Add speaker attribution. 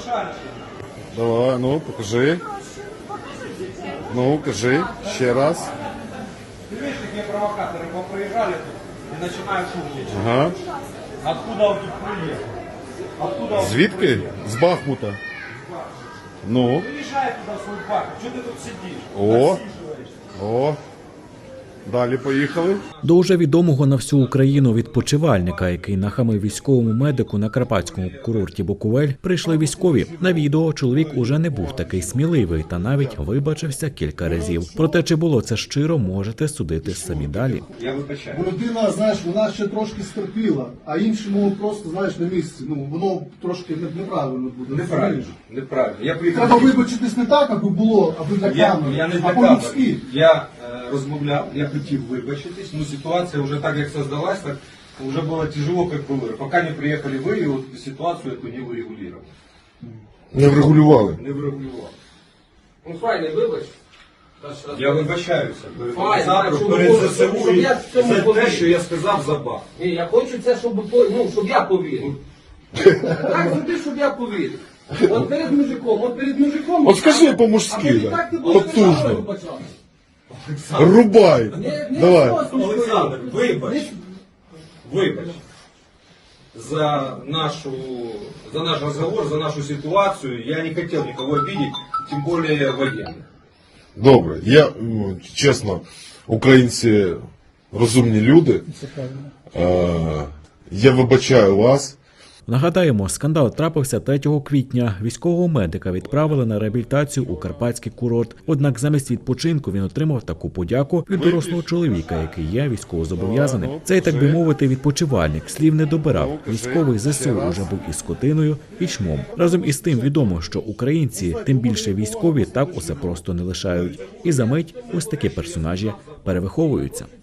Speaker 1: Давай, ну, покажи. Ну, кажи, ще раз.
Speaker 2: Ты видишь, какие провокаторы поприезжали тут и начинают шумничать.
Speaker 1: Ага.
Speaker 2: Откуда он тут приехал? Откуда он
Speaker 1: Звідки? З Бахмута. Ну,
Speaker 2: приезжай туда в свой парк? Что ты тут сидишь?
Speaker 1: О.
Speaker 2: Насиживаешься?
Speaker 1: о. Далі поїхали.
Speaker 3: До уже відомого на всю Україну відпочивальника, який нахамив військовому медику на карпатському курорті Буковель, прийшли військові. На відео чоловік уже не був такий сміливий та навіть вибачився кілька разів. Проте, чи було це щиро, можете судити самі далі.
Speaker 2: Я вибачаю.
Speaker 4: Бо людина, знаєш, вона ще трошки стерпіла, а іншому просто, знаєш, на місці. Ну, воно трошки неправильно буде.
Speaker 2: Неправильно. Неправильно. Я приїхав.
Speaker 4: Треба вибачитись не так, аби було, аби для камери,
Speaker 2: Я не
Speaker 4: а
Speaker 2: для
Speaker 4: по-людськи.
Speaker 2: камери. Я розмовляв, я хотів вибачитись, но ситуація вже так, як создалась, так вже було тяжело, як було. Поки не приїхали ви, і от ситуацію эту не вирегулювали.
Speaker 1: Не врегулювали.
Speaker 2: Не врегулювали.
Speaker 5: Ну, файний, вибач.
Speaker 2: Я вибачаюся перед
Speaker 5: Файно,
Speaker 2: організатором,
Speaker 5: щоб
Speaker 2: перед
Speaker 5: було,
Speaker 2: ЗСУ
Speaker 5: щоб я в цьому
Speaker 2: за те,
Speaker 5: повірив.
Speaker 2: що я сказав за бах.
Speaker 5: Ні, я хочу це, щоб я повірив. Так зроби, щоб я повірив. От перед мужиком.
Speaker 1: От скажи по-мужськи,
Speaker 5: А потім
Speaker 1: да.
Speaker 5: так ти будеш
Speaker 1: Потужно.
Speaker 5: сам вибачатися.
Speaker 1: Рубай.
Speaker 5: Не
Speaker 1: Давай.
Speaker 5: просто
Speaker 2: Олександр,
Speaker 5: говорити.
Speaker 2: вибач. Вибач. За наш разговор, за нашу ситуацию. Я не хотел никого обидеть, тем более военных.
Speaker 1: Добре. Я, чесно, українці розумні люди. Я вибачаю вас.
Speaker 3: Нагадаємо, скандал трапився 3 квітня. Військового медика відправили на реабілітацію у карпатський курорт. Однак замість відпочинку він отримав таку подяку від дорослого чоловіка, який є військовозобов'язаним. Цей, так би мовити, відпочивальник слів не добирав. Військовий ЗСУ уже був і скотиною, і чмом. Разом із тим відомо, що українці, тим більше військові, так усе просто не лишають. І за мить ось такі персонажі перевиховуються.